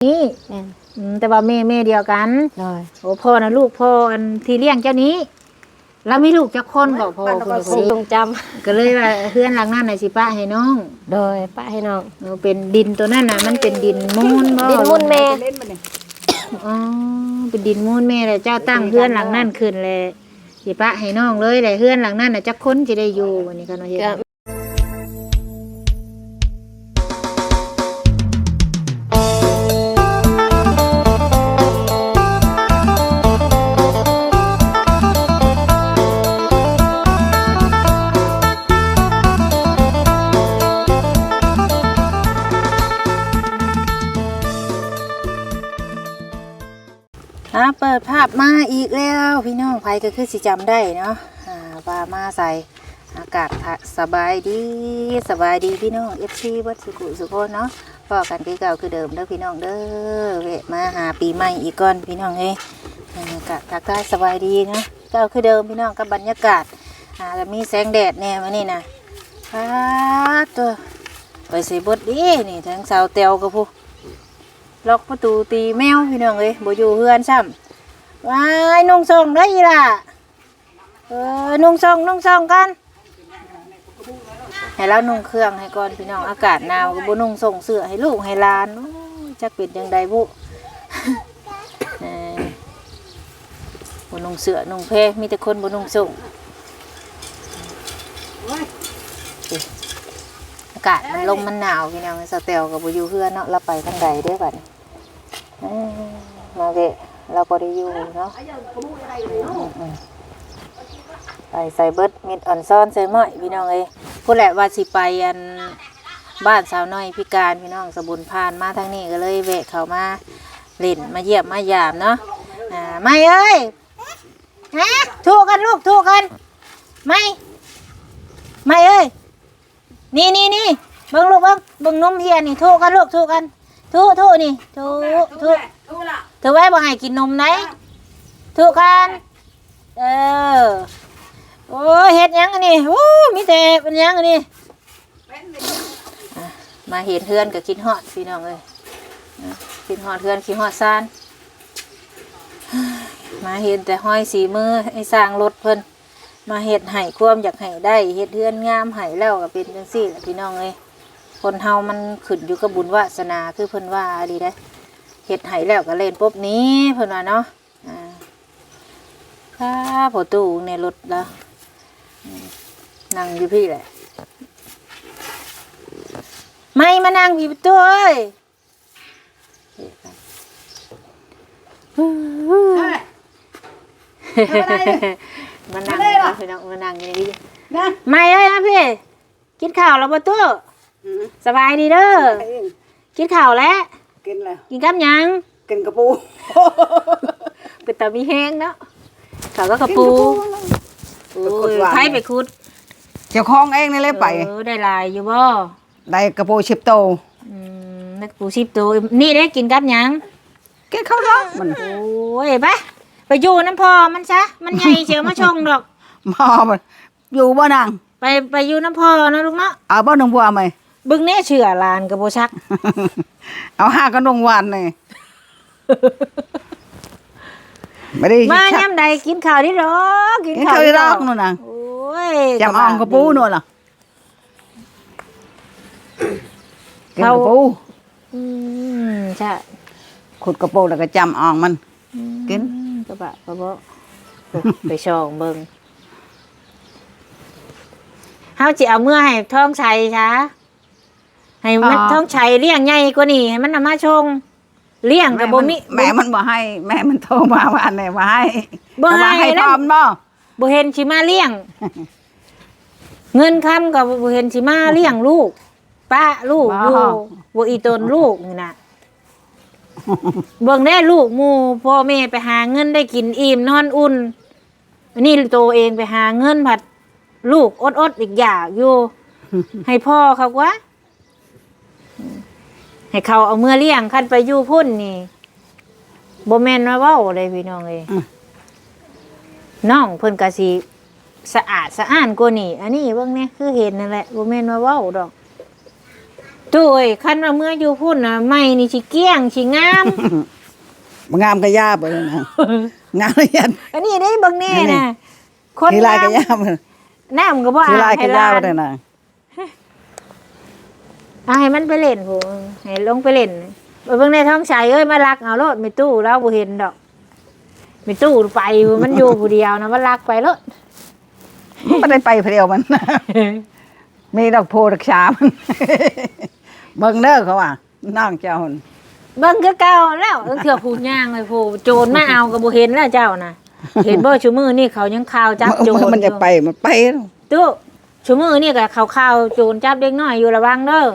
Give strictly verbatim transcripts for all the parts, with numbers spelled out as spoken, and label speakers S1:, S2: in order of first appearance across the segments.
S1: นี่แต่ว่าแม่แม่เดียวกันโอ้พ่อนะลูกพ่ออันที่เลี้ยงเจ้านี้แล้วมีลูกจักคนก็พ่อคนนี้
S2: ทรงจำ
S1: ก็เลยว่าเพื่อนหลังนั้นน่ะสิป้าให้น้อง
S2: โดยป้าให้น้อง
S1: เป็นดินตัวนั้นน่ะมันเป็นดินมูลบ่
S2: ดินมูลแม่
S1: อ๋อเป็นดินมูลแม่เลยเจ้าตั้งเพื่อนหลังนั้นขึ้นเลยสิป้าให้น้องเลยเลยเพื่อนหลังนั้นน่ะจักคนสิได้อยู่วันนี้ก็เนาะเฮ็ดอ่าเปิดภาพมาอีกแล้วพี่น้องไผก็คือสิจำได้เนาะอ่าว่ามาใส่อากาศสบายดีสบายดีพี่น้อง เอฟ ซี วัดสุขุสุโขเนาะพอกันคือเก่าคือเดิมเด้อพี่น้องเด้อเวะมาหาปีใหม่อีกก่อนพี่น้องเอ้ยบรรยากาศทักทายสบายดีเนาะเก่าคือเดิมพี่น้องกับบรรยากาศอ่าแล้วมีแสงแดดแน่มานี่นะฟ้าตัวไปใส่บดดีนี่ทั้งสาวเตียวกับผู้ล็อกประตูตีแมวพี่น้องเอ้ยบ่อยู่เฮือนซ้ำว้ายนุ่งส่งได้อีล่ะเออนุ่งส่งนุ่งส่งกันให้เรานุ่งเครื่องให้ก่อนพี่น้องอากาศหนาวก็บ่นุ่งส่งเสื้อให้ลูกให้หลานจักเป็นจังใดบุเออบ่นุ่งเสื้อนุ่งเพมีแต่คนบ่นุ่งส่งอากาศมันลมมันหนาวพี่น้องสเตลก็บ่อยู่เฮือนเนาะเราไปทางใดเด้อบัดนี้มาเวะเราก็ได้อยู่เนาะไปใส่เบิดมิดอ่อนซ้อนใส่หม้อยพี่น้องเอ้ยพูดแหละว่าสิไปอันบ้านสาวน้อยพิการพี่น้องสบุญพานมาทางนี้ก็เลยแวะเข้ามาเล่นมาเยี่ยมมายามเนาะอ่าไม่เอ้ยฮะถูกกันลูกถูกกันไม่ไม่เอ้ยนี่นี่นี่เบิ่งลูกเบิ่งเบิ่งนมเฮียนี่ถูกกันลูกถูกกันถูถูนี่ถูถูเธอไว้บ่ให้กินนมไหนถูกกันเออโอ้เฮ็ดยังอันนี้โอ้มีแต่เป็นยังอันนี้มาเห็นเพื่อนกับคิดฮอดพี่น้องเลยคิดฮอดเพื่อนคิดฮอดซานมาเห็นแต่ห้อยสีมือไอ้สร้างรถเพิ่นมาเฮ็ดให้ความอยากให้ได้เฮ็ดเพื่อนงามให้แล้วก็เป็นจังซี่แหละพี่น้องเลยคนเฮามันขึ้นอยู่กับบุญวาสนาคือเพิ่นว่าดีได้เฮ็ดให้แล้วก็เล่นปุ๊บนี้เพิ่นว่าเนาะอ่าค่ะพอตู้ในรถแล้วนั่งอยู่พี่แหละไม่มานั่งพี่ประตูเอ้ยมานั่งพี่น้องมานั่งอย่างนี้ไม่เอ้ยนะพี่กินข้าวแล้วประตูสบายดีเด้อกินข้าวแล้ว
S3: กินแล้ว
S1: กินกับยัง
S3: กินกระปู
S1: เป็นตามีแห้งเนาะข้าวก็กระปูใครไปขุด
S3: เจ้าของเองนี่เลยไป
S1: เออได้ลายอยู่บ่
S3: ได้กระปูชิบโต
S1: อืมได้กระปูชิบโตนี่ได้กินกับยัง
S3: กินข้าวท้องมัน
S1: โอ้ยไปไปอยู่น้ำพอมันซะมันใหญ่เชียวมาชงดอก
S3: พอมันอยู่บ่นาง
S1: ไปไปอยู่น้ำพอนะลูกเนาะ
S3: เอาบ่นงบัวไหม
S1: บึงเน่เชื่อลานกระโบชัก
S3: เอาห้ากระนงวันเลยไม่ได้
S1: มาย่ำใดกินข้าวได้หรอ
S3: กินข้าวได้หรอกนู่นน่ะ
S1: โอ้ย
S3: จำอ่องกระปูนู่นล่ะกินกระปู
S1: อืมใช่
S3: ขุดกระปูแล้วก็จำอ่องมันกิน
S1: กระบะกระโบไปช่องเบิ่งเฮาสิเอาเมื่อให้ท้องชัยช้าให้มันท้องชัยเลี้ยงใหญ่กว่านี้ให้มันมาชงเลี้ยงกับบ่มี
S3: แม่มันบ่ให้แม่มันโทรมาว่าอันไหนว่าให้
S1: บ่ให้
S3: พร้อมบ่
S1: บ่เห็นสิมาเลี้ยงเงินคำกับบ่เห็นสิมาเลี้ยงลูกป้าลูกอยู่บ่อีตนลูกนี่น่ะเบิ่งได้ลูกหมู่พ่อแม่ไปหาเงินได้กินอิ่มนอนอุ่นอันนี้ตัวเองไปหาเงินผัดลูกอดๆอีกอย่างอยู่ให้พ่อเขาวะให้เขาเอาเมื่อเลี้ยงคันไปอยู่พุ่นนี่บ่แม่นว่าเว้าเลยพี่น้องเอ้ยน้องเพิ่นก็สิสะอาดสะอ้านกว่านี่อันนี้เบิ่งนี่คือเห็นนั่นแหละบ่แม่นว่าเว้าดอกตู้เอ้ยคันว่าเมื่ออยู่พุ่นน่ะไม้นี่สิเกลี้ยงสิงาม
S3: บ่งามก็ยาบ่เลยนะงามยัน
S1: อันนี้ได้เบิ่งแน่น่ะคน
S3: ทีลายก็
S1: งาม
S3: ยาบ่
S1: น้ำก็บ่
S3: ที
S1: อา
S3: ลาย
S1: บ
S3: ก็
S1: ให้
S3: ยา
S1: ลา
S3: บ่
S1: น
S3: ได้นะ
S1: เอาให้มันไปเล่นผู้ให้ลงไปเล่นไปเบิ่งในท้องชายเอ้ยมาลักเอาโลดมีตู้เราบ่เห็นดอกมีตู้ไปมันอยู่ผู้เดียวนะมันลักไปโลด
S3: บ่ได้ไปผู้เดียวมัน มีดอกโพดอกชามัน เบิ่งเด้อเขาว่าน้องเจ้าหั่น
S1: เบิ่งคือเก่าแล้วเอิ้นเถื่อผู้ย่างเลยผู้โจรมาเอาก็บ่เห็นแล้วเจ้าน่ะ เห็นบ่ชูมือนี่เขายังข่าวจับโจร
S3: มันจะไปมันไปแล้ว
S1: ตู้ชูมือนี่ก็เขาข่าวโจรจับเด็กน้อยอยู่ระวังเด้อ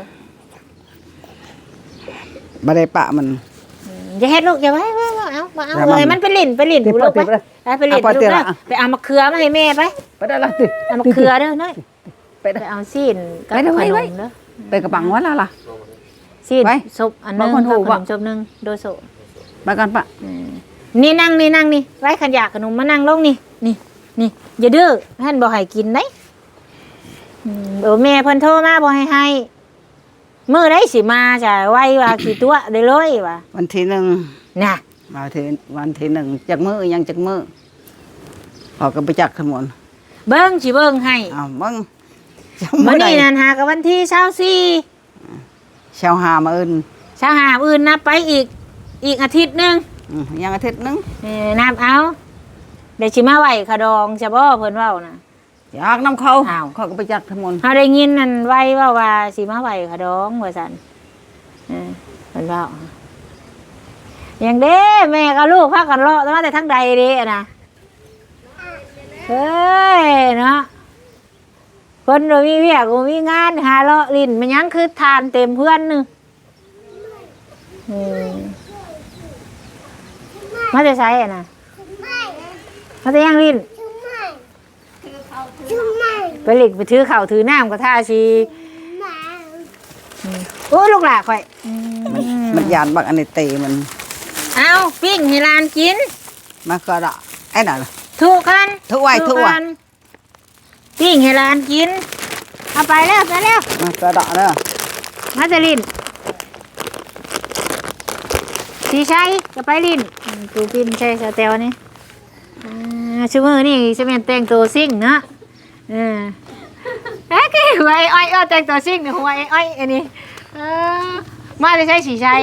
S3: บ่ได้ปะมัน
S1: อย่าเฮ็ดลูกอย่าไว้ไว้ไว้เอามาเอา
S3: อย่ามา
S1: เลยมันไปเล่นไปเล่น
S3: ติด
S1: ผู้ลูกไป
S3: ติดเลย
S1: ไปไปเล่น
S3: เอา
S1: ลูก
S3: ติด
S1: เด้อ
S3: ละ
S1: ไปเอามะเขือมาให้แม่ไป
S3: ไปได้ละติ
S1: เอามะเขือเด้อน้อย
S3: ไป
S1: ไปเอาซีนกับ
S3: ไปเด้อ
S1: ข
S3: ไว้
S1: น
S3: ไว้
S1: มเด้อ
S3: ไปกระปังว่าละล่ะ
S1: ซีน
S3: ไว้
S1: ซบอันหนึง
S3: บางคน
S1: กับ
S3: หู
S1: ข
S3: ว่ะ
S1: นมซบหนึงโดโซ
S3: ไปกันปะ
S1: อืมนี่นั่งนี่นั่งนี่ไว้ขันอยากขนมมานั่งลงนี่นี่นี่อย่าดื้อท่านบ่ให้กินได้อืมเออแม่เพิ่นโทรมาบ่ให้ให้มื้อใดสิมาจ้ะไว้ว่ากี่ตัวได้เลยว่ะ
S3: วันที่หนึ่ง
S1: น่ะ
S3: มาทีวันที่หนึ่งจากมือยังจากมือออกก็ไปจักขมวน
S1: เบิ่งสิเบิ่งให้
S3: อ้าวมึงจะ
S1: มื้
S3: มื้
S1: อ
S3: อใด
S1: นี้นั่นหากับวันที่ยี่สิบสี่
S3: ชาวหามาอื่น
S1: ชาหาอื่นนับไปอีกอีกอาทิตย์หนึง
S3: อืมยังอาทิตย์หนึง
S1: เออนับเอาเดี๋ยวสิมาไหวขะดองจะบ่เพิ่นเว้าน่ะ
S3: อยากน้ำเขา
S1: อ้าว
S3: เขาก็ไปจักขมวน
S1: เฮาได้ยินนั่นไหวเว่าว่าสิมาไหวขะดองว่าซั่นเออเพิ่นเว้าอย่างเด้แม่กับลูกพากันเลาะมาแต่ทางใดเด้อะนะเฮ้ยเนาะเพิ่นบ่มีเวียกบ่มีงานหาเลาะลิ้นมันยังคือทานเต็มเพื่อนนึงอืมมาจะใช้อ่ะนะมาจะย่างลิ้นไปหลิกไปถือเข่าวถือน้ำกับท่าชีอืมโอ้ยลูกหลาข่อยอืม
S3: มันยานบักอันนี้เตมัน
S1: เอาปิ้งให้หลานกิน
S3: มาก็ดะไอ้น่ะ
S1: ถูกกัน
S3: ถูกไว้ถูกไว้
S1: กันปิ้งให้หลานกินเอาไปแล้วไปแล้ว
S3: มาก็ดะเด้อ
S1: มาจะลิ้นสีชัยจะไปลิ้นอืมตูปิ้นใช่สเตลนี่อ่าชั่วโมงนี่จะเป็นแต่งตัวซิ่งเนาะเออเอ๊ะคือหัวไอ้อ้อยอ้อแต่งตัวซิ่งเนี่ยหัวไอ้อ้อยอันนี้เออมาจะใช้สีชัย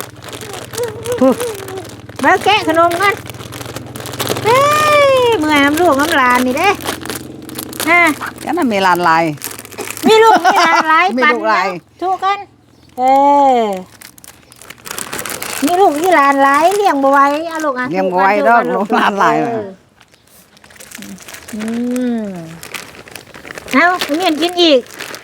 S1: มาแกะขนมกันเฮ้ยเมื่อยน้ำลูกน้ำหลานนี่เด้ฮะ
S3: ก็นั่นมีลานลาย
S1: มีลูกมีหลานหลาย
S3: มี
S1: ปัน
S3: ลูกหลาย
S1: ถูกกันเออมีลูกมีหลานหลายเลี้ยงบ่ไหว้เอาลูกอ่ะ
S3: เลี้ยงบ่ไหวดอกลูกหลานหลายน่ะ
S1: เอออืมเอาเมียนกินอีก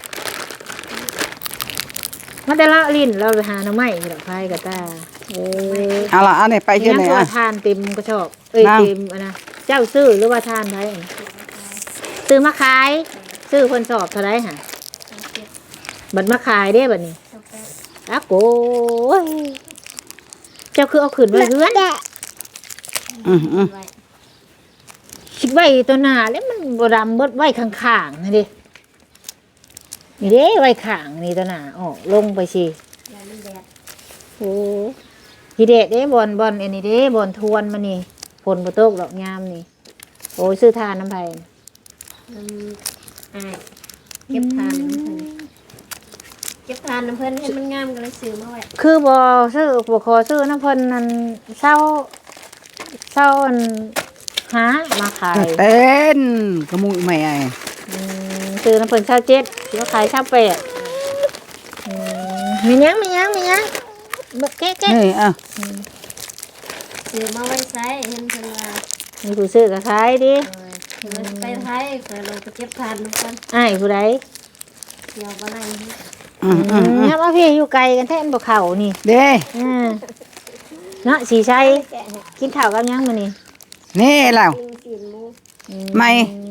S1: มาแต่ละลิ้นเราไปหาหน่อไม้ที่ดอกไผ่กับตาเออ
S3: เอาล่ะอันนี้ไปที่ไหน
S1: ยังตัว
S3: อ่ะ
S1: ทานเต็มกระชอบเอ้ย
S3: นั่ง
S1: เต็มอันนะเจ้าซื้อหรือว่าทานไผซื้อมาขายซื้อคนสอบเท่าไรฮะบัดมาขายได้บัดนี้อะโกยเจ้าคือเอาขืนไว้เพื่อน
S3: อืมอืม
S1: คิดไว้ตัวหน้าแล้วมันบดำเบิดไว้ข้างๆนี่ดินี่เด้ไว้ข้างนี่ตัวหน้าออกลงไปสิโอ้ฮีเดะเด้บอลบอลอันนี้เด้บอลทวนมานี่ผลประตกดอกงามนี่โอ้ยซื้อทานน้ำไผ่
S2: อ่าเก็บทานน้ำเพิ่นเก็บทานน้ำเพิ่นให้มันงามก็เลยซื้อมาไว้
S1: คือบอซื้อบอขอซื้อน้ำเพิ่นนั่นเศร้าเศร้าอันหามาขาย
S3: เต้นกระมุยแม่ไอ้
S1: อืมซื้อน้ำเพิ่นเศร้าเจ็ดแล้วขายเศร้าแปดอืมมียังมียังมียังบักแก๊กแก๊ก
S3: นี่อ่ะ
S2: ซื้อมาไว้ใช้เห็นเพิ่นว่า
S1: มีผู้ซื้อก็ขายดิ
S2: เออเพิ่นไปไทยเพิ่นลงไปเก็บทานน้ำเพิ่น
S1: อ้ายผู้ใด
S2: เดี๋ยวบ่ได้
S3: อืมอืมอืม
S1: เนี่ยว่าพี่อยู่ไกลกันแท้อันบ่เข้านี่
S3: เด้
S1: อืมเนาะสีชัยกินข้าวกับยังมื้อนี้
S3: นี่แล้ว
S2: กินกินหมู
S1: อื
S3: ไม่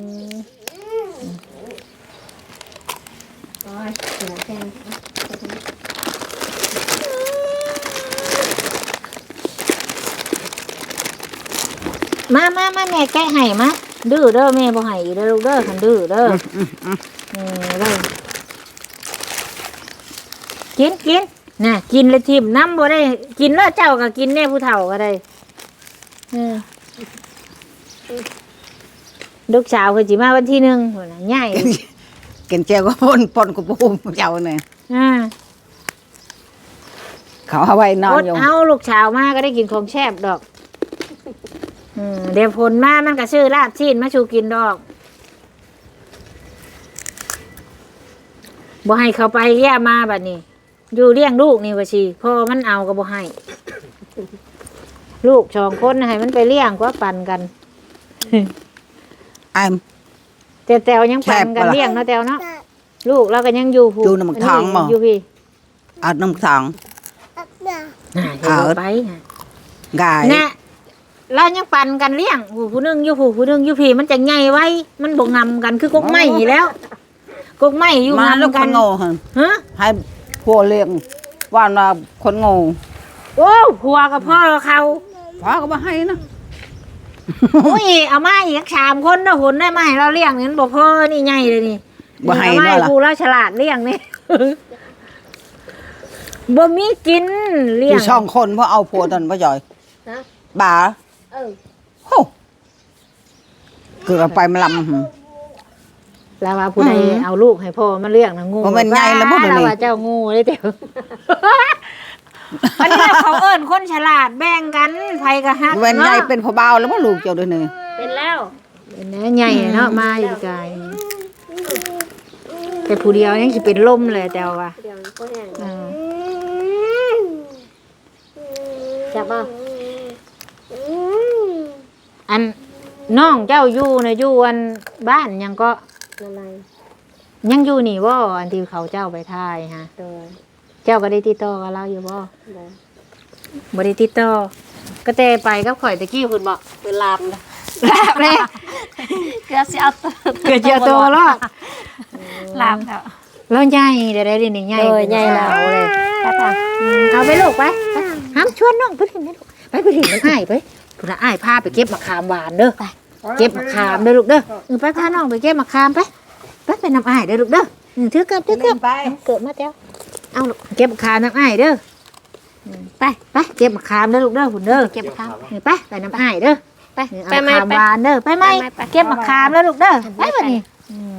S2: โอ้ยหัวแข็ง
S1: มามามาแม่แกะให้มาดื้อเด้อแม่บ่ให้อีกเด้อลูกเด้อคันดื้อเด้อ
S3: อืมอืม
S1: เออเด้อกิกินกินน่ะกินเลยทิมน้ำบ่ได้กินแล้วเจ้าก็กินแน่ผู้เฒ่าก็ได้เออลูกสาวคือสิมาวันที่หนึ่งพุ่นน่ะใหญ่
S3: กินเจียวก็ปนปนกับปูเจ้าเนี่ย
S1: อ่า
S3: เขาเอาไว้นอน
S1: อด
S3: อยู่
S1: เอาลูกสาวมาก็ได้กินของแซ่บดอกอืมเดี๋ยวผลมามันก็ชื่อลาบชีนมาชูกินดอกบ่ให้เขาไปแย่มาบัดนี้ อยู่เลี้ยงลูกนี่ว่าชีพ่อมันเอาก็บ่ให้ ลูกสองคนให้มันไปเลี้ยงก็ปั่นกัน
S3: ไอ้
S1: แต่แตวยังปั่นกัน
S3: แซ่บปะล่ะ
S1: เลี้ยงเนาะแตวเนาะลูกเราก็ยังอยู่ผู้
S3: อยู่น้ำหมักทองบ่
S1: อยู่พี่
S3: เอาน้ำทอง
S1: น่ะเดี๋ยว
S3: เอา
S1: ไปน่ะ
S3: กาย
S1: น่ะเรายังปั่นกันเลี้ยงผู้ผู้หนึงอยู่ผู้ผู้หนึงอยู่พี่มันจะใหญ่ไว้ มันบ่งำกันคือกกไม้อยู่แล้วกกไม้อยู่
S3: มาลูก
S1: งำ
S3: ค
S1: กัน
S3: นโง่ฮะ
S1: ฮะ
S3: ให้ผัวเลี้ยงว่าว่าคนโง่
S1: โอ้ผัวกับพ่อเขา
S3: พ่อก็มาให้นะ
S1: อุ้ยเอามาอีกสามคนนะหุ่นได้มาให้เราเลี้ยงนี่มันบ่พ่อนี่ใหญ่เลยนี่
S3: บ่ให้
S1: เอามา
S3: เนาะล่ะ
S1: ผู้เราฉลาดเลี้ยงนี่ บ่มีกินเลี้
S3: อย
S1: ง
S3: ยู่สองคนเพราะเอาผัวตอนพ่อจอย
S2: นะ
S3: บ่า
S2: เออ
S3: โหเกือบไปมาลำหึ
S1: แล้วว่าผู้ใด
S3: อืม
S1: เอาลูกให้พ่อมาเลี้ยงนะงู
S3: บ่แม่นใหญ่แล้วบ่เดี๋ยวนี้
S1: เราว่าเจ้างูเลยเดี๋ยว อันนี้เขาเอิ้นคนฉลาดแบ่งกันไผก็ฮัก
S3: เว้นใหญ่
S1: เนาะ
S3: เป็นพ่อบ่าวแล้วพ่อลูกเจ้าด้วยนี่
S2: เป็นแล้ว
S1: เป็นแหน่ใหญ่เนาะมาอยู่ไกลแต่ผู้เดียวยังสิเป็นลมเลยแต่ว่า
S2: เดี๋ยวก็แห้ง
S1: อ่า
S2: จับบ่
S1: อันน้องเจ้าอยู่นะอยู่อันบ้านยังก็
S2: อะไร
S1: ยังอยู่นี่บ่อันที่เขาเจ้าไปทายฮะ
S2: โดย
S1: เจ้าก็ได้ติดต่อกับเราอยู่บ่
S2: โดย
S1: บ่ได้ติดต่อก็แต่ไปกับข่อยตะกี้เพิ่นบอก
S2: เป็นลามนะ
S1: ลาบเลย
S2: เกือบสิเอาตัว
S1: เกิดเจอโตแล้ว
S2: ลามแล้ว
S1: แล้วใหญ่ได้ได้นี่ใหญ่
S2: โดย
S1: เป็น
S2: ใหญ่แล้ว
S1: สาเลย
S2: ไปทาง
S1: อืมเอาไปลูกไปไปห้ามชวนน้องไปถึงนี่ลูกไปไปถึงมันอ้ายไปพุ่นน่ะอ้ายพาไปเก็บมะขามหวานเด้อเก็บมะขามเด้อลูกเด้อเออไปพาน้องไปเก็บมะขามไปไปไปนำอ้ายเด้อลูกเด้อเออถือเกือบถือเกือบ
S3: ไป
S1: เกิดมาเจ้าเอาลูกเก็บมะขามน้ำอ้ายเด้ออืมไปไปเก็บมะขามเด้อลูกเด้อหุ่นเด้อ
S2: เก็บข้าว
S1: เออไปไปน้ำอ้ายเด้อ
S2: ไป
S1: เออ
S2: ไป
S1: เอา
S2: ไหม
S1: มะขาม
S2: ไป
S1: หวานเด้อไปไหม
S2: ไปไป
S1: เก็บมะขามเด้อลูกเด้อไปบัดนี้อืม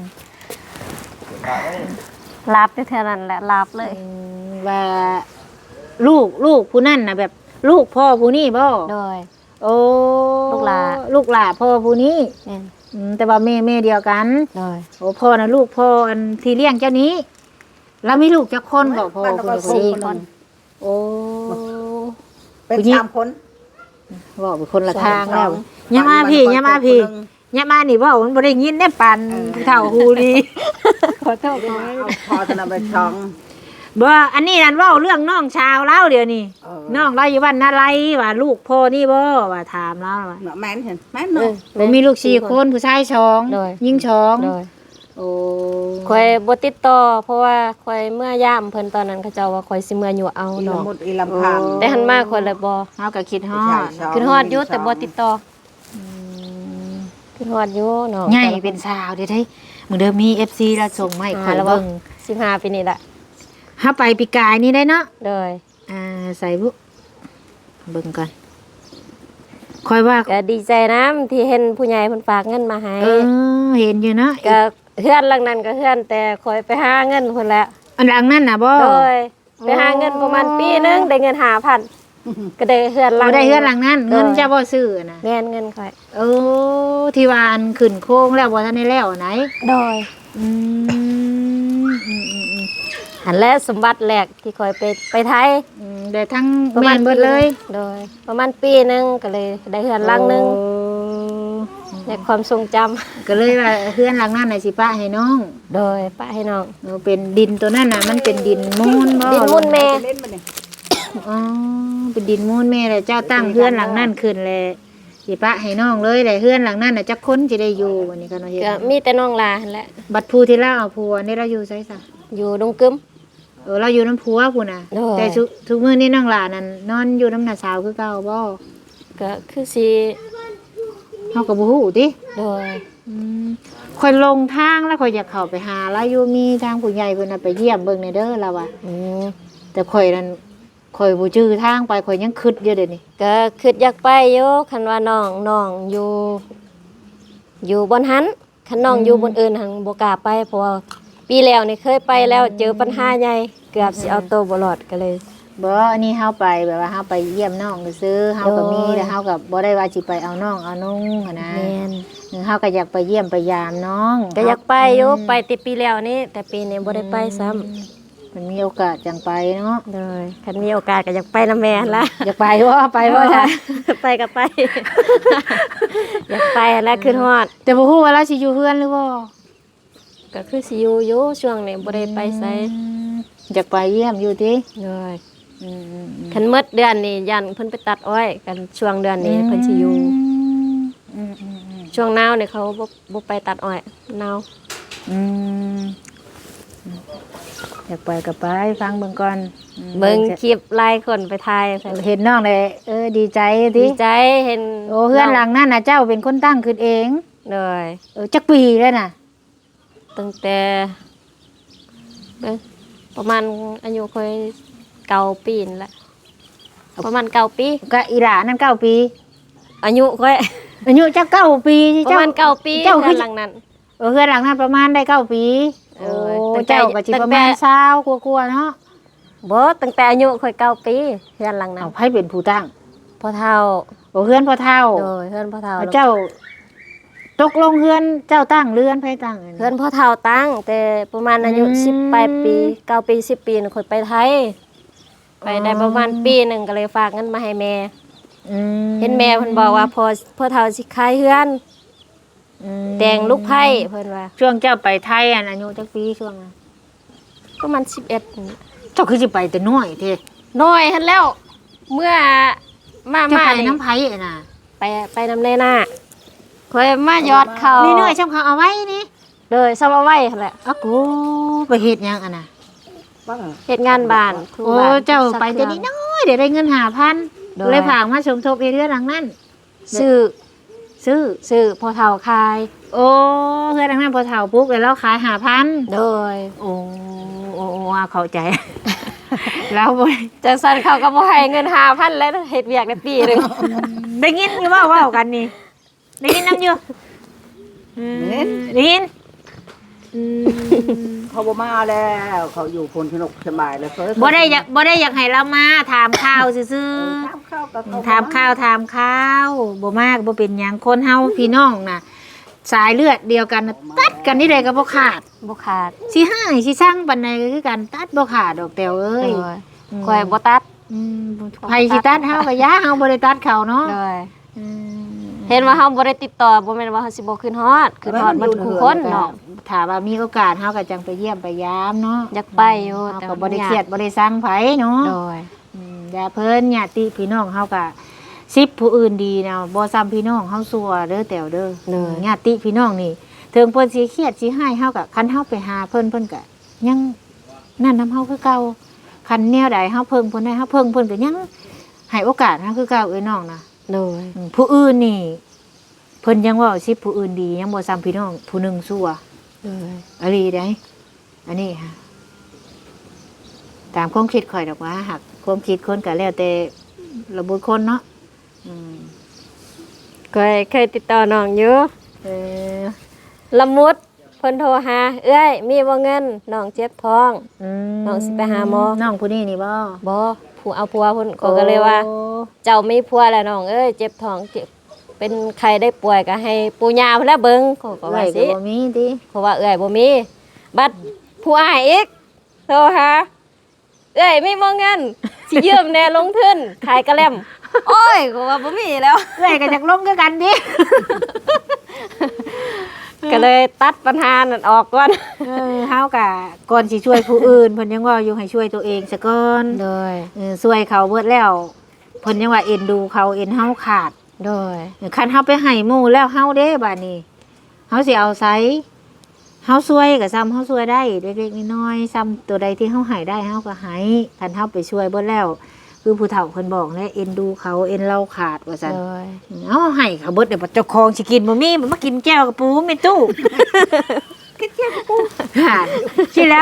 S2: ลาบได้เท่านั้นแหละลาบเลย
S1: อืมว่าลูกลูกผู้นั่นน่ะแบบลูกพ่อผู้นี่บ่
S2: โดย
S1: โอ้
S2: ลูกหลา
S1: ลูกหลาพ่อผู้นี้
S2: แม่น
S1: อืมแต่ว่าแม่แม่เดียวกัน
S2: โดย
S1: โอ้พ่อน่ะลูกพ่ออันที่เลี้ยงเจ้านี้ แล้วมีลูกจักคนก็พ่อ
S3: มันก็
S1: ผู้
S3: สี่
S1: นี้
S3: คน
S1: โอ้
S3: เป็น
S1: ผู้หญิง
S3: สามคน
S1: บอกเป็นคนละทางแล้ว
S3: สอง
S1: อย่ามาพี่
S3: สอง
S1: อย่ามาพี่
S3: คนหนึ่ง
S1: อย่ามานี่บ่มันบ่ได้ยินได้ปันเท่าฮูดี ขอโทษ
S3: เอาพอจะนำไปช่อง
S1: บ่อันนี้นั่นเว้าเรื่องน้องชาวเล่าเดี๋ยวนี้
S3: เออ
S1: น้องเราอยู่บ้านนาไรว่าลูกพ่อนี่บ่ว่าถามเราว่า
S3: เนาะแม่นเห็นแม่น
S2: เอ
S3: เนาะ
S2: อ
S1: ผมมีลูกสี่คนผู้ชายสอง
S2: โดย
S1: ยิงสอง
S2: โดย
S1: โอ้
S2: คอยบ่ติดต่อเพราะว่าคอยเมื่อย่ามเพิ่นตอนนั้นเขาเจ้าว่าคอยสิเมื่ออยู่เอา
S3: อี
S2: ดอก
S3: ลำมุดอีลำพัง
S2: แต่หันมาคอยเลยบ่
S1: เฮาก็คิดฮอด
S3: ใช่
S2: ขึ้นฮอดอยู่แต่บ่ติดต่อขึ้นฮอดอยู่เนาะ
S1: ใหญ่เป็นสาวเด้อเด้มื้อเดิมมี เอฟ ซี แล้วส่งมาให้ข่อย
S2: แล้วบ่
S1: เบิ่ง
S2: สิบห้าปีนี่แหละ
S1: ถ้าไปปีกายนี่ได้เนาะ
S2: โดย
S1: อ่าใส่บุเบิ่งก่อนค่อยว่า
S2: ก็ดีใจนะที่เห็นผู้ใหญ่เพิ่นฝากเงินมาให้
S1: เออเห็นอยู่เนาะ
S2: ก็เฮือนหลังนั้นก็เฮือนแต่คอยไปหาเงินเพิ่นแหละ
S1: อันหลังนั่นน่ะบ่
S2: โดยไปหาเงินประมาณปีหนึงได้เงินห้าพันก็ได้เฮือนหลั
S1: บ่
S2: ง
S1: ได้เฮือนหลังนั้นเงินจะบ่ซื้อน่ะ
S2: เงินเงินคอย
S1: เออที่ว่าอันขึ้นโค้งแล้วบ่ทันได้แล้วไหน
S2: โดย
S1: อืมอืมอืมอืม
S2: หันและสมบัติแรกที่คอยไปไปไทย
S1: อืมได้ทั้ง
S2: ประ
S1: แม่
S2: มาณ
S1: นเบิดเลย
S2: โดย ประมาณปีหนึงก็เลยได้เฮือนหลังหนึง
S1: โอ้
S2: ในความทรงจำ
S1: ก็เลยว่าเฮือนหลังนั้นน่ะสิป้าให้น้อง
S2: โดยป้าให้น้อง
S1: เออเป็นดินตัวนั้นน่ะมันเป็นดินมูลบ่
S2: ดินมูลแม่
S3: เล่นมาเนี่ย
S1: อ๋อเป็นดินมูลแม่เลยเจ้าตั้งเฮือนหลังนั้นขึ้นเลยสิป้าให้น้องเลยแต่เฮือนหลังนั้นน่ะจักคนสิได้อยู่วันนี้ก็เนาะเฮ็ด
S2: ก็มีแต่น้องลาหั่นแหละ
S1: บัดผู้ที่เล่าเอาผัวนี่เราอยู่ไสซะ
S2: อยู่ดงกึม
S1: เออเราอยู่น้ำผัวพุ่นน่ะ
S2: โอ้ย
S1: แต่ทุกทุกมื้อนี้น้องหลานนั่นนอนอยู่น้ำหน้าสาวคือเก่าบ่
S2: ก็คือสิ
S1: เฮาก็บ่ฮู้ติ
S2: โดย
S1: อืมค่อยลงทางแล้วค่อยอยากเข้าไปหาแล้วอยู่มีทางผู้ใหญ่เพิ่นน่ะไปเยี่ยมเบิ่งในเด้อเราว่า
S2: อืม
S1: แต่ข่อยนั่นข่อยบ่จื้อทางไปข่อยยังคิดอยู่เดี๋ยวนี้
S2: ก็คิดอยากไปอยู่คันว่าน้องน้องอยู่ อยู่บนหันคันน้องอยู่บนอื่นหันบ่กล้าไปเพราะว่าปีแล้วนี่เคยไปแล้วเจอปัญหาใหญ่เกือบสิเอาตัวบ่รอดก็เลย
S1: บ่อันนี้เฮาไปแบบว่าเฮาไปเยี่ยมน้องซื่อๆเฮาก็มี
S2: โอ้ย
S1: แต่เฮาก็บ่ได้ว่าสิไปเอาน้องเอานุ่งหันนะ
S2: แม่น
S1: เฮาก็อยากไปเยี่ยมไปยามน้อง
S2: ก็อยากไปอยู่ไปติปีแล้วนี่แต่ปีนี้บ่ได้ไปซ้ำ
S1: มันมีโอกาสจังไปเนาะ
S2: เลยคันมีโอกาสก็อยากไปนำแม่หั่นล่ะ
S1: อยากไปบ่ไปบ่จ้ะ
S2: ไปก็ไป อยากไปแล้วขึ้นฮอด
S1: แต่บ่ฮู้ว่าเราสิอยู่เฮือนหรือบ่
S2: ก็คือสิอยู่อยู่ช่วงนี้บ่ได้ไปไส
S1: อืมอยากไปเยี่ยมอยู่ติ
S2: เลย
S1: อืมๆๆ
S2: คันหมดเดือนนี้ยันเพิ่นไปตัดอ้อยกันช่วงเดือนนี้เพิ่นสิอยู่
S1: อืมๆๆ
S2: ช่วงหนาวนี่เขาบ่บ่ไปตัดอ้อยหนาว
S1: อืมอยากไปก็ไปฟังเบิ่งก่อนอืม
S2: เบิ่งคลิปหลายคนไปถ่ายใส่
S1: เห็นน้องเลยเออดีใจติ
S2: ดีใจเห็น
S1: โอ้เฮือนหลังนั่นน่ะเจ้าเป็นคนตั้งขึ้นเอง
S2: เลย
S1: เออจักปีแล้วน่ะ
S2: ตั้งแต่เบิ่งประมาณอายุค่อยเก้าปีนี่แหละประมาณเก้าปี
S1: ก็อีหลานั่นเก้าปี
S2: อายุค่อย
S1: อายุจักเก้าปี
S2: ประมาณเก้าปี
S1: เจ้าคือ
S2: เดือนหลังนั้น
S1: เออเฮือนหลังนั้นประมาณได้เก้าปี
S2: เอ
S1: โอ้
S2: อตั้งแต่
S1: เจ้าก็สิประมาณ
S2: ตั้งแต่
S1: เศร้ากลัวๆเนาะ
S2: บ่ตั้งแต่อายุค่อยเก้าปีเฮือนหลังนั้น
S1: เอาไผเป็นผู้ตั้ง
S2: พ่อเฒ่า
S1: โอ้เฮือนพ่อเฒ่า
S2: โดยเฮือนพ่อเฒ่า
S1: เอาเจ้าตกลงเฮือนเจ้าตั้งเรือนไผตั้งอันนี้
S2: เฮือนพ่อเฒ่าตั้ง แต่ประมาณอายุ
S1: อืม
S2: สิบปลายปีเก้าปีสิบปีน่ะค่อยไปไทย ไปได้ประมาณปีหนึงก็เลยฝากเงินมาให้แม่
S1: อืม
S2: เห็นแม่เพิ่นบอกว่าพอพ่อเฒ่าสิขายเฮือน
S1: อืม
S2: แต่งลูกไผ่เพิ่นว่า
S1: ช่วงเจ้าไปไทยอันอายุจักปีช่วงนั้น
S2: ประมาณสิบเอ็ด
S1: เจ้าคือสิไปแต่น้อยเท่
S2: น้อยหั่นแล้ว เมื่อมา
S1: จะ
S2: มา
S1: ไป
S2: นี่
S1: น้ำไผอ่ะน่ะ
S2: ไปไปนำในหน้าค่อยมายอดเขา
S1: นี่น้อยช่างเขาเอาไว้นี่
S2: เลยซ้ำเอาไว้หั่นแหละ
S1: อะกูไปเฮ็ดหยังอ่ะน่ะ
S2: เฮ็ดงานบ้านครู
S1: โอ้
S2: บ้าน
S1: เจ้าไป
S2: ซัก
S1: แต่
S2: เครื่
S1: นี้
S2: อง
S1: น้อยเดี๋ยวได้เงินห้าพัน
S2: โดย
S1: เลยฝากมาสมทบเอเรือนหลังนั้น
S2: ซื้อ
S1: ซื้อ
S2: ซื้อพอเฒ่าขาย
S1: โอ้เพื่อนทางนั้นพอเฒ่าปุ๊กเลยแล้วขายห้าพัน
S2: โดย
S1: โอ้โอ้โอ้เข้าใจ แล้วบ่
S2: จังซั่นเขาก็บ่ให้เงินห้าพันแล้วเฮ็ดเวียกได้ปีหนึง
S1: ได้ยินอยู่ว่าเว้ากันนี่ได้ยินน้ำอยู่อืมได้ยินอืม
S3: เขาบ่มาแล้วเขาอยู่พลสนุกสบายแล้วเพิ่น
S1: บ่ได้อยากบ่ได้อยากให้เรามาถามข่าวซื่อ
S3: ถามข้าวกับ
S1: ๆถามข่าวถามข่าวบ่มากบ่เป็นหยังคนเฮาพี่น้องน่ะ สายเลือดเดียวกันน่ะตัดกันนี่ได้ก็บ่ขาด
S2: บ่ขาด
S1: สิหายสิสร้างปานใดก็คือกันตัดบ่ขาดดอกแตวเอ้ย
S2: โดยข่อยบ่ตัด
S1: อืมไผสิตัดเฮาก็ย่าเฮาบ่ได้ตัดเขาเนาะ
S2: โดย
S1: อืม
S2: เห็นว่าเฮาบ่ได้ติดต่อบ่แม่นว่าเฮาสิบ่ขึ้นฮอดขึ้นฮอดมันคู่คนเนาะ
S1: ถ้าว่ามีโอกาสเฮาก็จังไปเยี่ยมไปยามเนาะ
S2: อยากไปอยู่
S1: เฮา
S2: แต่
S1: ก็
S2: ว่า
S1: บ่ได้เครียดบ่ได้สั่งไผเนาะ
S2: โดย
S1: อืมอย่าเพิ่นญาติพี่น้องเฮาก็สิบผู้อื่นดีนะบ่ซ้ำพี่น้องเฮาซัวเด้อแตวเด้อ
S2: เลย
S1: ญาติพี่น้องนี่ถึงเพิ่นสิเครียดสิให้เฮาก็คันเฮาไปหาเพิ่นเพิ่นก็ยังนั่นนำเฮาคือเก่าคันแนวใดเฮาเพิ่งเพิ่นได้เฮาเพิ่งเพิ่นก็ยังให้โอกาสเฮาคือเก่าเอ้ยน้องนะ
S2: โดย
S1: อืมผู้อื่นนี่เพิ่นยังเว่าสิผู้อื่นดียังบ่ซ้ำพี่น้องผู้หนึงซัว
S2: โดย
S1: อะลีได้อันนี้ฮะตามความคิดข่อยดอกว่าหักความคิดคนก็แล้วแต่ระบุคนเนาะอืม
S2: เคยเคยติดต่อน้องอยู่
S1: เออ
S2: ละมุดเพิ่นโทรหาเอ้ยมีบ่เงินน้องเจ็บท้อง
S1: อืม
S2: น้องสิไปหาหมอ
S1: น้องผู้นี้นี่บ่
S2: บ่ผู้เอาผัวเพิ่นก็ก็เลยว่า
S1: โอ้
S2: เจ้ามีผัวแล้วน้องเอ้ยเจ็บท้องเจ็บเป็นใครได้ป่วยก็ให้ปู่ย่าเพิ่นแล้วเบิ่งเขาก็
S1: ไว้
S2: ว่า
S1: ก็
S2: สิ
S1: บ่มีติ
S2: เพราะว่าเอ้ยบ่มี บัดผู้อ้ายอีกโทรหาเอ้ยมีบ่เงินสิยืมแหน่ลงทุนขายกระแลมโอ้ยก็ว่าบ่มีแล้ว
S1: เอ้ยก็จักลงคือกันดิ
S2: ก็เลยตัดปัญหานั่นออกก่อน
S1: เออเฮาก็ก่อนสิช่วยผู้อื่นเพิ่นยังว่าอยู่ให้ช่วยตัวเองซะก่อน
S2: โดย
S1: เออช่วยเขาเบิดแล้วเพิ่นยังว่าเอ็นดูเขาเอ็นเฮาขาด
S2: โดย
S1: คันเฮาไปให้หมู่แล้วเฮาเด้บัดนี้เฮาสิเอาไสเฮาช่วยก็ซ้ำเฮาช่วยได้เล็กๆน้อยๆซ้ำตัวใดที่เฮาให้ได้เฮาก็ให้คันเฮาไปช่วยเบิดแล้ว คือผู้เฒ่าเพิ่นบอกแล้วเอ็นดูเขาเอ็นเราขาดว่าซั่น
S2: โดย
S1: เอาให้เขาเบิดเดี๋ยวเจ้าของสิกินบ่มีมันมากินแก้วกับปูในตู้ กินแก้วกับปูขาดสิแล้ว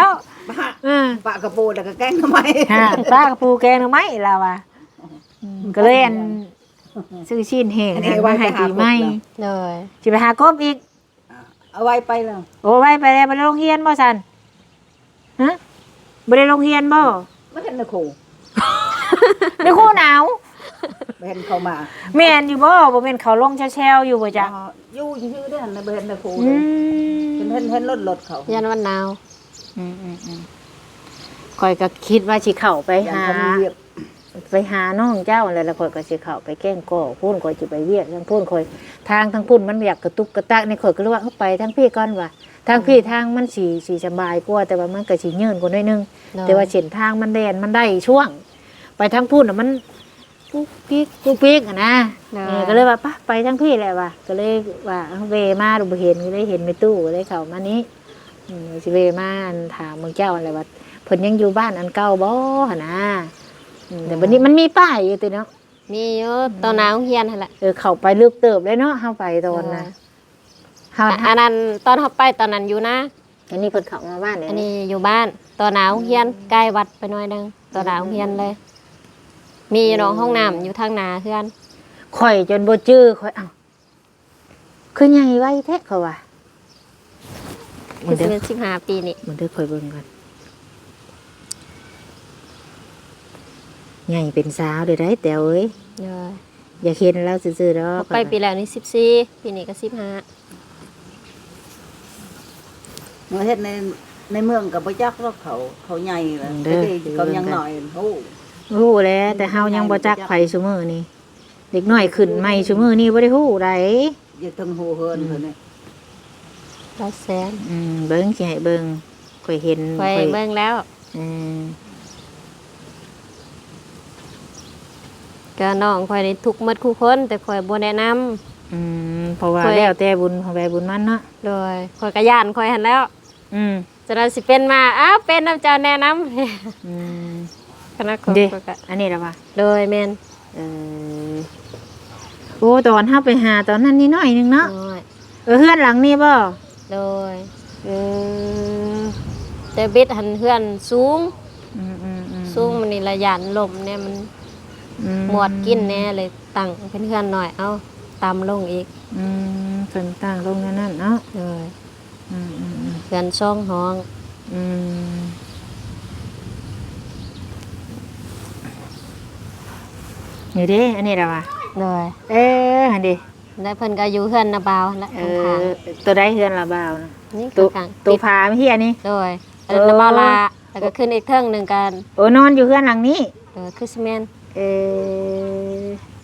S3: ป้า
S1: เออ
S3: ป้ากระปูแล้วก็แกงทำไม
S1: ฮะปลากระปูแกงหน่อไม้ล่ะว่ะอืมก็เลยอันซื้อชิ้นแห้งอันมาให้ปีใหม่
S2: เลย
S1: สิไปหากบอีก
S3: เอาไว้ไปแล้ว
S1: โอ้ไว้ไปแล้วบ่ได้โรงเรียนบ่ซั่นฮะบ่ได้โรงเรียนบ่
S3: ไม่เห็นนะครู
S1: ในครูหนาว
S3: ไม่เห็นเขามา
S1: แม่นอยู่บ่บ่แม่นเขาลงแช่ๆอยู่บ่จ๊ะ
S3: อ๋ออยู่ชื่อๆเด้อนะไม่เห็นนะครู
S1: อื
S3: เห็น
S1: ม
S3: เห็นเห็นรถรถเขา
S2: ยันวันหนาว
S1: อืมอืมอืมข่อยก็คิดว่าสิเข้าไป
S3: อย่าง
S1: หา
S3: เขามีเวียบ
S1: ไปหาน้องเจ้าอะไรแล้วข่อยก็สิเข้าไปแกล้งก่อพูนข่อยสิไปเวียกทั้งพูนข่อยทางทั้งพูนมันอยากกระตุกกระตักในข่อยก็เลยว่าเอาไปทางพี่ก่อนว่ะทางพี่ทางมันสิสิสบายกว่าแต่ว่ามันก็สิยืนกว่าหน่อยนึง แต่ว่าเส้นทางมันแดนมันได้ช่วง ไปทางพูนน่ะมันปุ๊กปิ๊กปุ๊กปิ๊กอะนะเออก็เลยว่าปะไปทางพี่แหละว่ะก็เลยว่าเอาเวมาดูบ่เห็นก็เลยเห็นในตู้ก็เลยเข้ามานี้อืมสิเวมาอันถามเมืองเจ้าอะไรว่าเพิ่นยังอยู่บ้านอันเก่าบ่หั่นนะอืมแต่วันนี้มันมีป้ายอยู่ติเนาะ
S2: มีอยู่ตอนหนาวเฮียนหั่นแหละ
S1: เออเข้าไปลึกเติบเลยเนาะเฮาไปตอนน่ะเฮา
S2: อันนั้นตอนเขาไปตอนนั้นอยู่นะ
S1: อันนี้เพิ่นเข้ามาบ้านเนี่ย
S2: อันนี้อยู่บ้านตอนหนาวเฮียนใกล้วัดไปหน่อยนึงตอนหนาวเฮียนเลย มีอยู่เน้องห้องน้ำอยู่ทางหนาเพื่อน
S1: ข่อยจนบ่จื้อข่อยเอ้าคือใหญ่ไว้แท้เขาว่า
S2: คือสิบสิบห้าปีนี่
S1: มันเด้อข่อยเบิ่งกันใหญ่เป็นสาวเด้อได้แต๋วเอ้ย
S2: เด้อ
S1: อย่าเห็นแล้วซื่อๆดอก
S2: ไปปีแล้วนี่สิบสี่ปีนี้ก็สิบห้า
S3: เมื่อเฮ็ดในในเมืองกับพระจักรเขาเขาใหญ่เลยแต่ที่เขายังหน่อยโอ้
S1: รู้แล้วแต่เฮายังบ่จักไผซุมื้อนี้เด็กน้อยขึ้นใหม่ซุมื้อนี้บ่ได้ฮู้ได
S3: ยาทั้งหูเฮินเพิ่นนี่
S2: ร้อยแสน
S1: อืมเบิ่งสิให้เบิ่งข่อยเห็น
S2: ไป
S1: ข่อย
S2: เบิ่งแล้ว
S1: อืม
S2: ก็น้องคอยได้ทุกข์หมดคู่คนแต่คอยบ่แนะนำ
S1: อืมเพราะว่า
S2: ข่อย
S1: แล้วแต่บุญของใครบุญมันเนาะ
S2: โดยคอยก็ย่านคอยหันแล้ว
S1: อืม
S2: จะได้สิเป็นมาอ้าวเป็นน้ำเจ้าแนะนำ
S1: อืม
S2: คณะของ
S1: เด้
S2: ข้อยก็
S1: อันนี้ล่ะว่า
S2: โดยแม่น
S1: เออโอ้ตอนเฮาไปหาตอนนั้นนิดหน่อยนึงเนาะ
S2: น้อย
S1: เออเฮือนหลังนี้บ่
S2: โดย
S1: เออ
S2: แต่บิดหันเพื่อนสูง
S1: อืมอืมอืม
S2: สูงมันนี่ระยานลมเนี่ยมัน
S1: อื
S2: หมวดกินแน่เลยตั้งเป็นเพื่อนหน่อยเอาตามลงอีก
S1: อืมเพิ่นตั้งลงนั่นนั่นเนาะ
S2: เลย
S1: อืมอืมอืม
S2: เพื่อนช่องห้อง
S1: อืมนี่เด้อันนี้ล่ะว่า
S2: เลย
S1: เอออันดิ
S2: ได้เพิ่นก็อยู่เพื่อนนาบาวและ
S1: เอ
S2: ข้าง
S1: อตัวได้เฮือนละบ่าวนะ
S2: ๆนี่
S1: ตัว
S2: ข้างๆ
S1: ตัว
S2: ติด
S1: พาไม่เฮียนี่
S2: เลยอันนั้นนาบาวลาแล้วก็ขึ้นอีกเทิงหนึ่งกัน
S1: โอ้นอนอยู่เฮือนหลังนี้
S2: เออคือซีเมนต์
S1: เออ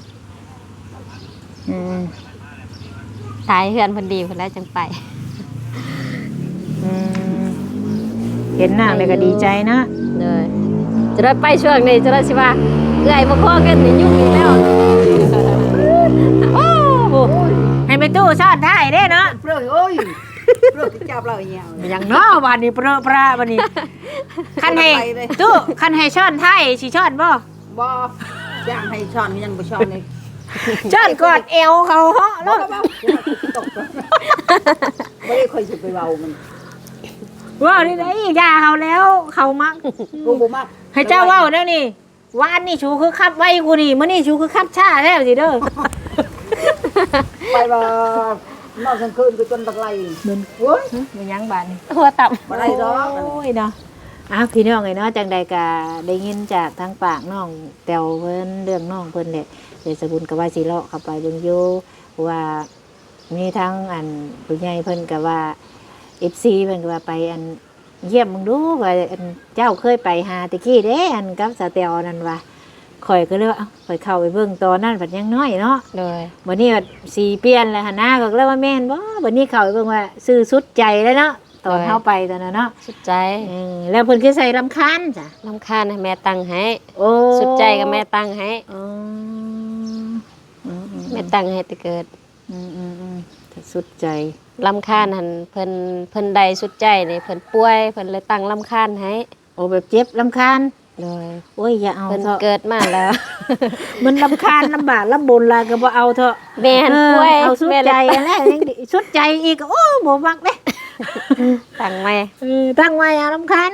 S1: อืม
S2: สายเพื่อนเพิ่นดีเพิ่นแล้วจังไป
S1: อืมเห็นหน้าเลยก็ดีใจนะ
S2: เลยจะได้ไปช่วงนี้จะได้สิว่าเอื้อยบ่พอกันนี่ยุ่งอีกแล้ว
S1: โอ้โหให้ไปตู้ซ่อนได้เด้เนาะ
S3: เปลือกโอ้ยเปลือกจับเราอย่างเงี้ย
S1: อย่างเนาะวันนี้เปรอะปราวันนี้คันให้ตู้คันให้ช้อนไทยสิช้อนบ่
S3: บ่ย่างให้ช้อนยังบ่ช้อนนี่
S1: ช้อนกอดเอวเขาเหาะ
S3: บ่
S1: เนาะ
S3: บ่ตกบ่ได้ค่อยสิไปเว้ามัน
S1: ว่านี่ได้ยาเขาแล้วเขามัก
S3: กูบ่มัก
S1: ให้เจ้าเว้าแล้วนี่วานนี่ชูคือคับไว้กูนี่มื้อนี่ชูคือคับช้าแล้วสิเด้อ
S3: ไปว่านอนกลางคืนก็จนบักไหลโอ้ย
S1: มันยังบาดนี่
S2: หัวต่ำ
S3: บ่ได้ดอก
S1: โอ้ยเนาะอ้าวพี่น้องไงเนาะจังใดก็ได้ยินจากทางปากน้องแตวเพิ่นเรื่องน้องเพิ่นแหละเดี๋ยวสกุลก็ว่าสิเลาะเข้าไปเบิ่งอยู่ว่ามีทั้งอันผู้ใหญ่เพิ่นก็ว่า เอฟ ซี เพิ่นก็ว่าไปอันเยี่ยมมึงดูว่าอันเจ้าเคยไปหาตะกี้เด้อันกับสาแตวนั่นว่าข่อยก็เลยว่าเอ้าข่อยเข้าไปเบิ่งตอนนั้นเพิ่นยังน้อยเนาะ
S2: เลย
S1: บัดนี้ก็สีเปลี่ยนแล้วหั่นนะก็เลยว่าแม่นบ่บัดนี้เข้าไปเบิ่งว่าซื้อสุดใจแล้วเนาะตอนเฮาไปตอนนั้นเนาะ
S2: สุดใจ
S1: เออแล้วเพิ่นคือใส่รำคาญจ้ะ
S2: ลำคาญให้แม่ตังให้
S1: โอ้
S2: สุดใจกับแม่ตังให้
S1: อ๋ออืมอืม
S2: แม่ตังให้แต่เกิด
S1: อืมอืมอืมถ้าสุดใจ
S2: ลำคาญหันเพิ่นเพิ่นใดสุดใจนี่เพิ่นป่วยเพิ่นเลยตั้งลำคาญให้
S1: โอ้แบบเจ็บรำคาญ
S2: เลย
S1: โอ้ยอย่าเอา
S2: เพิ่น
S1: เถอะ
S2: เกิดมาแล้ว
S1: มันรำคาญลำบากลำบนลาก็บ่เอาเถอะ
S2: แม่น
S1: เออ
S2: ป่วย
S1: เอาสุด
S2: แม่
S1: ใจ
S2: เลย
S1: อันแรกยังดีสุดใจอีกโอ้บ่มักเด้
S2: ตั้งแม่
S1: เออตั้งไว้อารำคาญ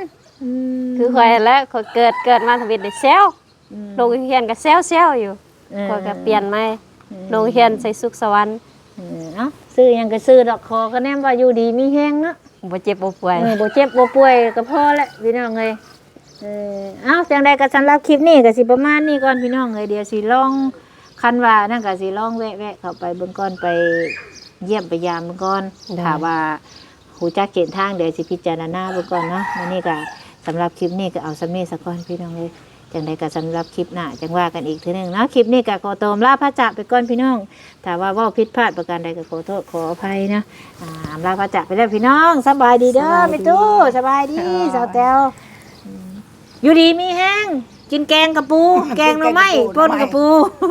S1: อืม
S2: คือข่อยแล้วข่อยเกิดเกิดมาทวิตได้แซวโรงเรียนก็แซวๆอยู่ข่อยก็เปลี่ยนใหม่โรงเรียนใส่สุขสวรรค์
S1: เออเอ้าซื้อหยังก็ซื้อดอกคอก็แนมว่าอยู่ดีมีแฮงเนาะ
S2: บ่เจ็บบ่ป่วย
S1: เออบ่เจ็บบ่ป่วยก็พอแล้วพี่น้องเอ้ยเออเอ้าจังใดก็สำหรับคลิปนี้ก็สิประมาณนี้ก่อนพี่น้องเอ้ยเดี๋ยวสิลองคันว่านั่นก็สิลองแวะๆเข้าไปเบิ่งก่อนไปเยี่ยมไปยามเบิ่งก่อนถ้าว่าฮู้จักเส้นทางเดี๋ยวสิพิจารณาเบิ่งก่อนเนาะมื้อนี้ก็สำหรับคลิปนี้ก็เอาสำนี้ซะก่อนพี่น้องเอ้ยจังใดก็สำหรับคลิปหน้าจังว่ากันอีกเทื่อนึงเนาะคลิปนี้ก็ขอตัวลาพระจากไปก่อนพี่น้องถ้าว่าเว้าผิดพลาดประการใดก็ขอโทษขออภัยนะอ่าอำลาพระจากไปแล้วพี่น้องสบายดีเด้อแม่ตู้สบายดีสาวแต้วอืมอยู่ดีมีแห้งกินแกงกระปู แกงหน่อไม้ป่นกระปู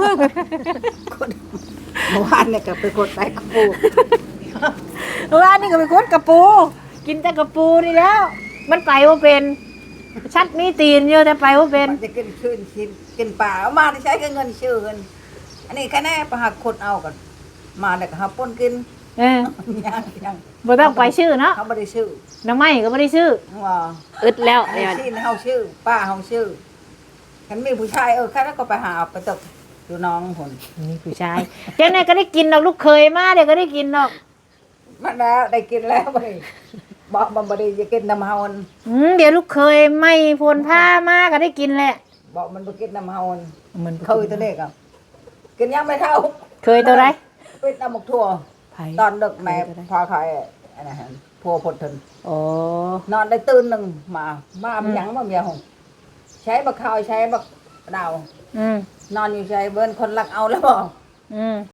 S3: เมื่อวานเนี่ยก็ไปกดไปกระปู
S1: เมื่อวานนี่ก็ไปกดกระปู กินแต่กระปูนี่แล้ว มันไปว่าเป็นชัดมีตีนเยอะแต่ไปว่าเป็น
S3: จะกินคืนกินกินป่าเอามาได้ใช้เงินชื่อเงินอันนี้แค่แน่ประหักคนเอากันมาเด็กหาป้นกิน
S1: เออ
S3: ยังยัง
S1: บ่ต้องไปชื่อเนาะ
S3: เขาไม่ได้ชื่อ
S1: หน้ำไม้ก็ไม่ได้ชื่อ
S3: ว่า
S2: อึดแล้ว
S3: อัน
S2: เดี๋
S3: นี้
S2: ยว
S3: ที่เฮาชื่อ ป้าเฮาชื่อฉันมีผู้ชายเออแค่นั้นก็ไปหาไปตกดูน้องผล
S1: นี่ผู้ชายเจ้าไหนก็ได้กินดอกลูกเคยมาเดี๋ยวก็ได้กินดอก
S3: มาแล้วได้กินแล้วบ่ได้บอกมันบ่ได้จะกินน้ำเฮาอัน
S1: อืมเดี๋ยวลูกเคยไม่พลผ้ามาก็ได้กินแหละ
S3: บอกมันบ่กินน้ำเฮาอัน
S1: มัน
S3: เคยตัวเล็กอ่ะกินยังไม่เท่า
S1: เคยตัวไร
S3: เป็นน้ำหมกทั่ว
S1: ไผ่
S3: ตอนดึกแม่พาใครอันนั้นหั่นพัวพดทน
S1: โอ้
S3: นอนได้ตื่นหนึ่งมามามันหยังมาเมียหงใช้บักข้าวใช้บักดาว
S1: อืม
S3: นอนอยู่ใช้เบิ้นคนรักเอาแล้วบอก
S1: อืม